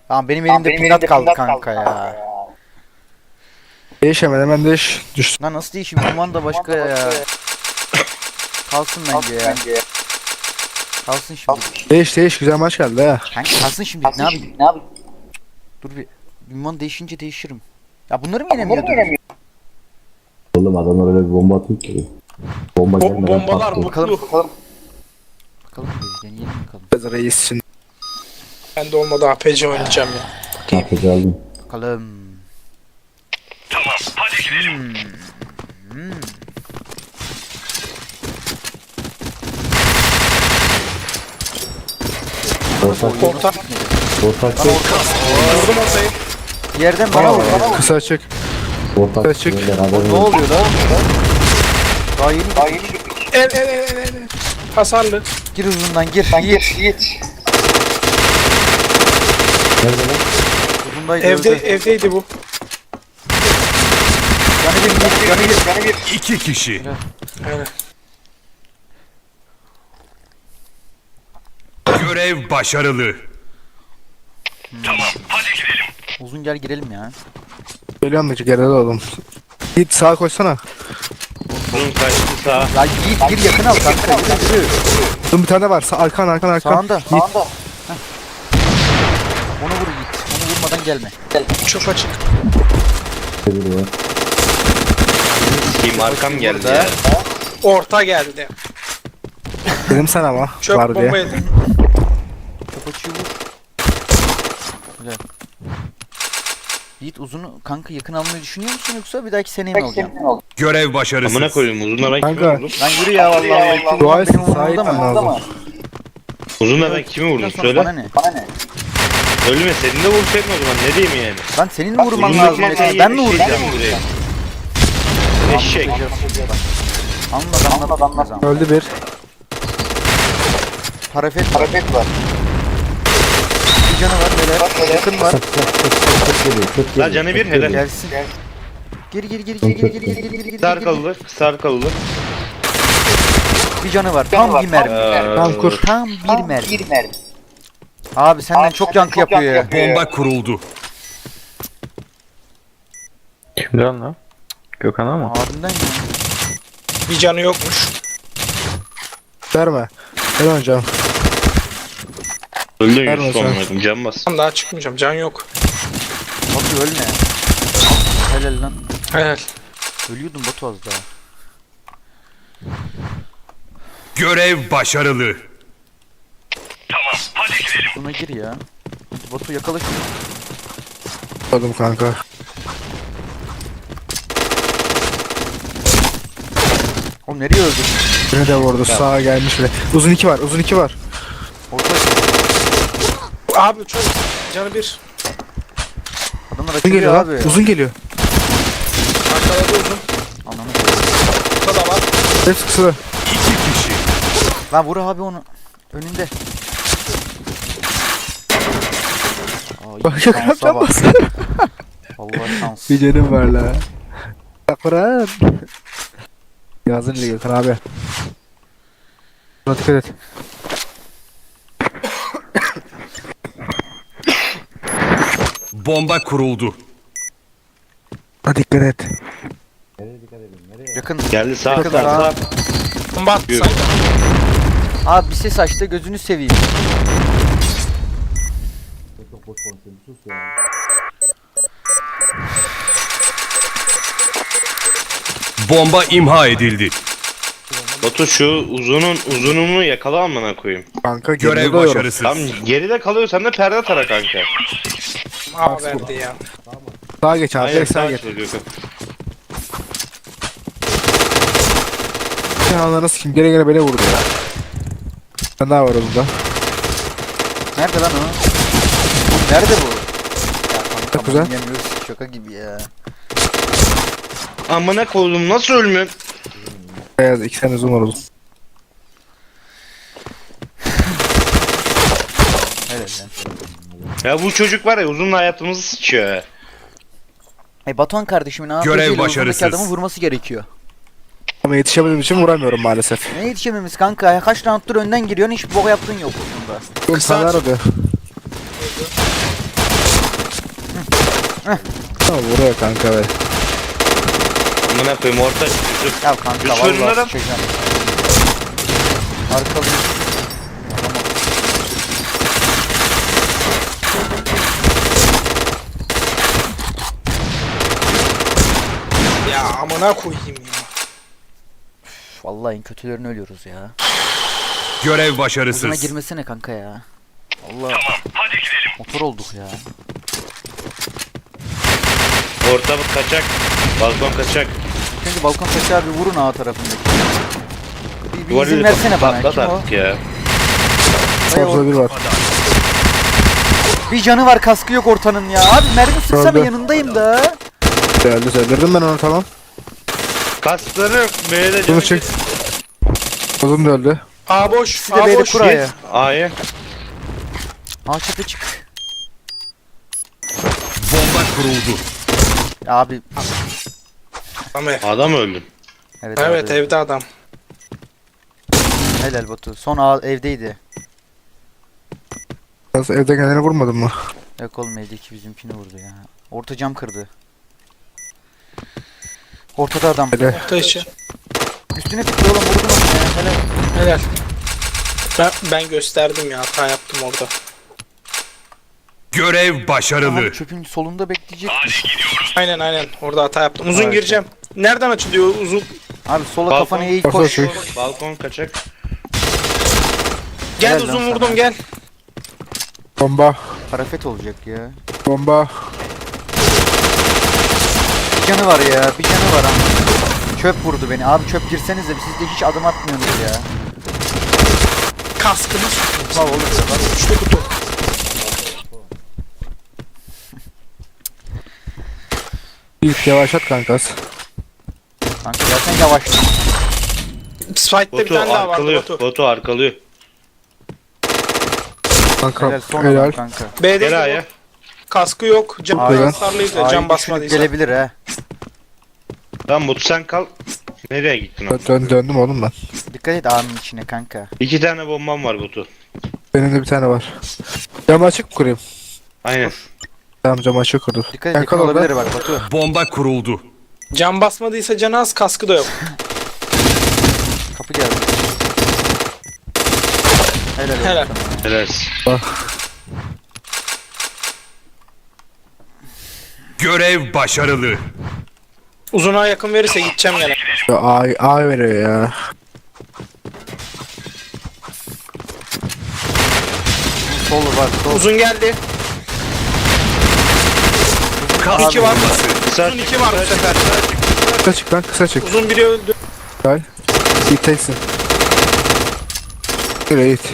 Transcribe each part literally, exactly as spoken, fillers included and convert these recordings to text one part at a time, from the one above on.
Tamam benim elimde pinat kaldı kanka ya. Değiş hemen hemen değiş. Düştü. Lan nasıl değişim? Duman da başka ya. Kalsın bence ya. Kalsın şimdi. Değiş değiş güzel maç geldi ha. Kanka kalsın şimdi. Ne yapayım? Ne yapayım? Dur bir. Duman değişince değişirim. Ya bunları mı yenemiyordu? Oğlum adamlar öyle bir bomba atıyor ki. Bomba Bom gelmeden bombalar patlıyor. Bakalım. mutlu. Bakalım bir deneyelim bakalım. Reis şimdi. Ben de olmadı A P C oynayacağım ya. Kapıcı aldım. Bakalım. Ortak Orta. ortak Vurdum ortayı. Bir yerden bana vur. Bana vur. Kısa açık. ortak Kaçık. beyler, Ne haberin olsun. oluyor lan? Daha yeni Daha yeni El el el el el. Hasarlı. gir uzundan gir. Yiğit. Yiğit. Nerede lan? Uzundaydı. Evde öldü. evdeydi bu. Canı bir gir. Canı bir. Canı bir. İki kişi. Aynen. Görev başarılı. Uzun gel girelim ya. Geliyorum da geride oğlum. Git sağa koşsana. Bunun kaçtı sağ. Ya Yiğit gir yakın al kanka. Yürü yürü. Dur bir tane var. Sağ, arkan arkan arkan. Sağında. Git. Sağında. Heh. Onu vur Yiğit. Onu vurmadan gelme. Çok açık. Biri var. Kim arkam geldi Burada. ya. Orta geldi. Dedim sen ama. Çöp var diye. bomba yedim. Çok açıyı vur. Güzel. Yiğit uzunu kanka yakın almayı düşünüyor musun yoksa bir dahaki seneye mi alacaksın? Görev başarısız. Amına koyayım uzunla ben kimi Kanka. vurdum? Lan yürü ya vallahi. vallahi. Dua etsin, Benim umurumda sahip mı? lazım. Umurumda mı? Uzunla ben kimi vurdum Bundan sonra Bana söyle. ne? Bana ne? Ölme senin de vursaydın o zaman ne diyeyim yani. Lan senin mi vurman Uzundaki lazım? masayı mesela? Ben mi eşek vuracağım? mi vurayım? Eşek. Anladı anladı anladı. Öldü bir. Hareket var. Hareket var. Bir canı var böyle. Yakın var. Çok çok geliyor. Çok La geliyor. canı bir çok helal. geliyor. Gelsin. Gir gir gir gir gir gir gir gir gir gir. Kısa arkalılar kısa arkalılar. Bir canı var. Tam bir mermi. Tamam kur. Tam bir mermi. Abi senden çok yankı yapıyor ya. Bomba kuruldu. Kimden lan? Gökhan'a mı? Abimden ya. Bir canı yokmuş. Verme. Ben oynayacağım. Öldün Ver Yusuf bakalım. amına koyayım can bas. Tam daha çıkmayacağım. Can yok. Batu ölme. Helal lan. Helal. Ölüyordun Batu az daha. Görev başarılı. Buna gir ya. Hadi Batu yakala şunu. Oğlum kanka. Oğlum nereye öldün? Beni de vurdu. Sağa gelmiş bile. Uzun iki var. Uzun iki var. Orta Abi çok. Canı bir. adamlar Uzun geliyor açılıyor lan. abi. Uzun geliyor. Arkaladı uzun. Ananı. Orta da var. Hepsi kısa. İki kişi. Lan vur abi onu. Önünde. Ay, Bak şansa yakaladım bak. bas. Vallahi şans. Bir canım var la. Yakıran. Yazın ile Gökhan abi. Buna dikkat et. Bomba kuruldu. Buna dikkat et. Yakın. Geldi sağ Yakın sağ sağ. sağ. Bomba attı Yürü. sanki. Abi bir ses açtı gözünü seveyim. Çok boş konuşuyorum. Sus ya. Bomba imha edildi. Batu şu uzunun uzununu yakala amına koyayım. Kanka Görev geride doyuyorum. başarısız. Tam geride kalıyor sen de perde tara kanka. A verdi ya. Sağa geç abi. Aynen Direkt sağa sağ geç. söylüyor. Sen anlarını sikeyim. Gene gene beni vurdu ya. Sen daha var orada. Nerede lan o? Nerede bu? Ya Çok kanka güzel. yemiyoruz şaka gibi ya. Amına koydum nasıl ölmüyorsun? Beyaz iki tane zoom var oğlum. Evet lan. Ya bu çocuk var ya uzunla hayatımızı sıçıyor ya. E Batuhan kardeşimin A P C Görev ile uzundaki başarısız. adamı vurması gerekiyor. Ama yetişemediğim için vuramıyorum maalesef. Ne yetişememiz kanka ya kaç rounddur önden giriyorsun hiç bok yaptığın yok aslında. Insanlar arıyor. Tamam vuruyor kanka be. Amına koyayım orta Yusuf. Ya kanka Yusuf önünde vallahi adam. sıçacağım. Arkalı. Ya amına koyayım ya. Üf, vallahi en kötülerini ölüyoruz ya. Görev Hızına başarısız. girmesene kanka ya. Allah. Motor olduk ya. Orta kaçak. Balkon kaçak. Çünkü balkon taşı abi vurun A tarafındaki. Bir, bir Duvarı izin versene bana. patlat Kim o? artık ya. Ay, Orada o- bir var. Bir canı var, kaskı yok ortanın ya. Abi mermi sıksana, Öldü. yanındayım da. Geldi söyledim ben onu tamam. Kasları B'de Bunu canı çek. Uzun da öldü. A boş. Bir de A B'de boş. kuraya. A'ya. Aa çatı çık. Bomba kuruldu. Abi Tamam. Adam öldü. evet, Evet abi. evde adam. Helal Batu. Son A evdeydi. Biraz evde kendini vurmadın mı? Yok oğlum, evdeki bizimkini vurdu ya. Orta cam kırdı. Ortada adam. Hele. Orta içi. Üstüne tıktı oğlum, vurdun onu ya. Helal. Helal. Ben, ben gösterdim ya, hata yaptım orada. Görev başarılı. Abi çöpün solunda bekleyecek. Aynen aynen orada hata yaptım. Uzun Evet. gireceğim. Nereden açılıyor uzun? Abi sola Balkon- kafanı eğ Balkon koş. çek. Balkon kaçak. Gel Helal uzun lan vurdum sana. gel. Bomba. Parafet olacak ya. Bomba. Bir canı var ya. Bir canı var ama. Çöp vurdu beni. Abi çöp girsenize, siz de hiç adım atmıyorsunuz ya. Kaskını Bak oğlum. üçlü kutu. İlk yavaşlat kankas. Kanka zaten yavaş. Spike'de bir Botu tane daha vardı arkalıyor. Batu. Botu arkalıyor. Kanka Helal son helal. adam kanka. B'de Gel de A'ya. kaskı yok. Cam Çok güzel. hasarlıydı. Ay, Cam düşünüp basmadıysa. gelebilir ha. Tamam Botu sen kal. Nereye gittin o? Dön, dön- döndüm oğlum ben. Dikkat et ağanın içine kanka. İki tane bombam var Botu. Benim de bir tane var. Camı açık mı kurayım? Aynen. Tamam camı açık kurdum. Dikkat et, Sen yakın kal orada. olabilir bak Batu. Bomba kuruldu. Cam basmadıysa canı az, kaskı da yok. Kapı geldi. Helal olsun Helal. sana. Helal. Görev başarılı. Uzuna yakın verirse gideceğim gene. Ya A, A veriyor ya. Sol var, sol. Uzun geldi. Kas iki var. bombası. Kısa Uzun iki var bu sefer. Kısa çık lan kısa çık. Uzun biri öldü. Gel. İlk teksin. Yürü git.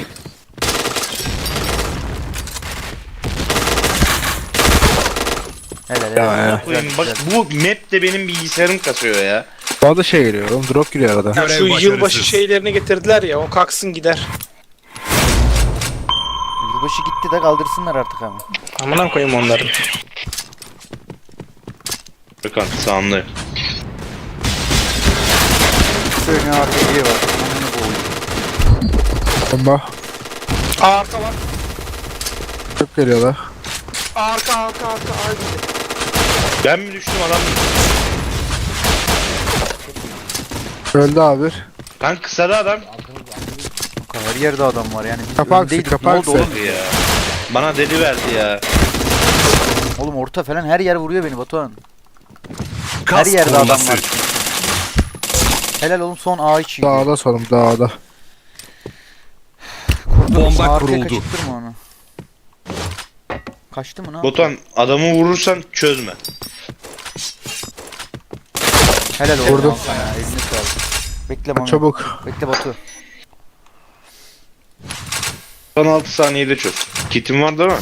Helal Ya, helal. ya. Güzel, Koyayım, Bak güzel. bu map de benim bilgisayarım kasıyor ya. Bana da şey geliyor oğlum drop giriyor arada. Ya Görev şu başarısız. yılbaşı şeylerini getirdiler ya, o kalksın gider. Yılbaşı gitti de kaldırsınlar artık ama. Amına koyayım onları. Bakın sağımda. Şöyle R P G var. Amına koyayım. Bomba. Aa, arka var. Çok geliyorlar. Aa, arka arka arka. Ay, Ben mi düştüm adam mı? Öldü abi. Kan kısada adam. Kanka her yerde adam var yani. Biz Kapağı öndeydik. sık, Ne oldu kapağı oğlum? Ya. Bana deli verdi ya. Oğlum orta falan her yer vuruyor beni Batuhan. Her Kas yerde adam bombası. var. Helal oğlum, son A içi. Dağda solum dağda. Bomba Arkaya kuruldu. kaçırtırma onu. Kaçtı mı ne? yaptı? Botan adamı vurursan çözme. Helal olsun Vurdum. al sana ya, eline sağlık. Bekle Mami. Çabuk. Bekle Batu. Son altı saniyede çöz. Kitim var değil mi?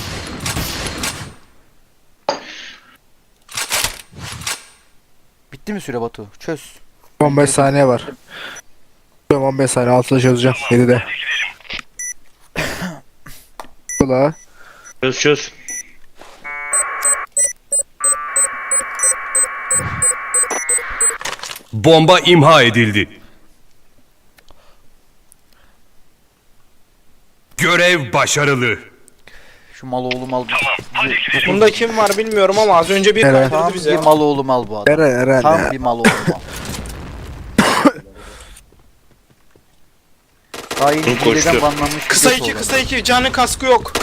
Bitti mi süre Batu? Çöz. on beş saniye var. on beş saniye altıda çözeceğim. yedide. Bu da. Çöz çöz. Bomba imha edildi. Görev başarılı. Şu mal oğlu mal Bunda kim var bilmiyorum ama az önce bir Evet. Tam kaydırdı bize. bir mal oğlu mal bu adam. Eren Eren Tam ya. bir mal oğlu mal. Daha yeni Dur, koştu. hileden banlanmış. Kısa birisi iki olan. kısa iki canı kaskı yok.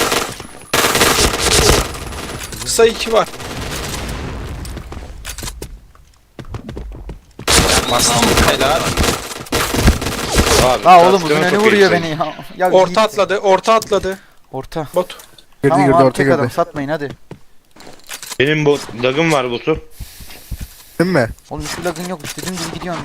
Kısa iki var. Helal. Abi, Ha oğlum kaskını uzun önü çok vuruyor yüksek. beni ya. ya Orta Yiğit. atladı, orta atladı. Orta. Bot. Girdi Tamam girdi abi orta tek girdi. adam satmayın hadi. Benim bot, lagım var botu. Değil mi? Oğlum şu lagın yok istediğin gibi gidiyorsun.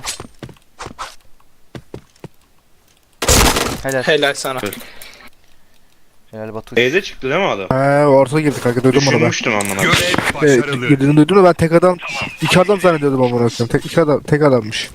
Helal. Helal sana. Helal Batu. B'de çıktı değil mi adam? He orta girdi kanka duydum bunu ben. Düşünmüştüm amına. Görev Evet, başarılı. girdiğini duydum da ben tek adam, iki adam zannediyordum ama bırakıyorum. Tek iki adam, tek adammış.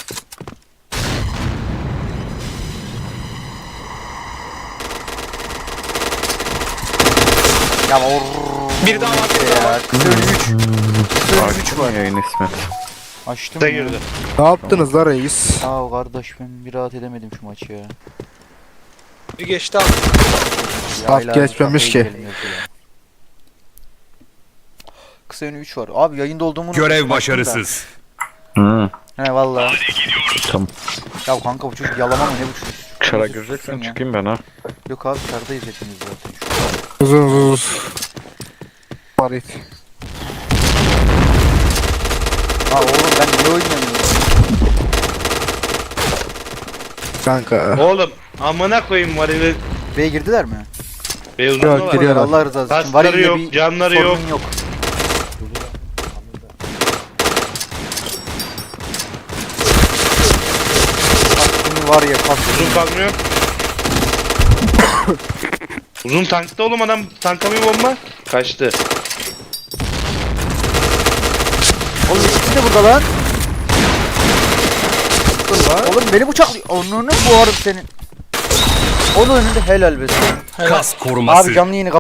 Ya or. Bir daha var, bir daha var. Kısa önü üç. Kısa önü üç Açtın mı yayın ismi? Açtım Da ya. girdi. Ne yaptınız la reis? Ya kardeş ben bir rahat edemedim şu maçı ya. Bir geçti abi. Ya Bak hala geçmemiş kafayı ki. yiyelim yazıyor ya. Kısa önü üç var. Abi yayında olduğumu Görev unuttum, baktım da. başarısız. Hı. He valla. Tamam. Ya kanka bu çocuk yalama mı ne bu çocuk? Çara Sus, gireceksen susun ya. çıkayım ben ha. Yok abi çardayız hepimiz zaten. Uzun uzun uzun. Parit. Ha oğlum ben niye oynamıyorum? Kanka. Oğlum amına koyayım varili. B'ye girdiler mi? Beyazında Yok, var. giriyorlar. Allah rızası için. Kasları Varil'de yok, bir canları sorunun yok. Kaskını var ya kaskını. Uzun kalmıyor. Uzun tankta oğlum adam tanka bir bomba. Kaçtı. Oğlum ikisi de burada lan. Oğlum beni bıçaklıyor. Onunu boğarım senin. Onun önünde helal be. Kas koruması. Abi canlı yayını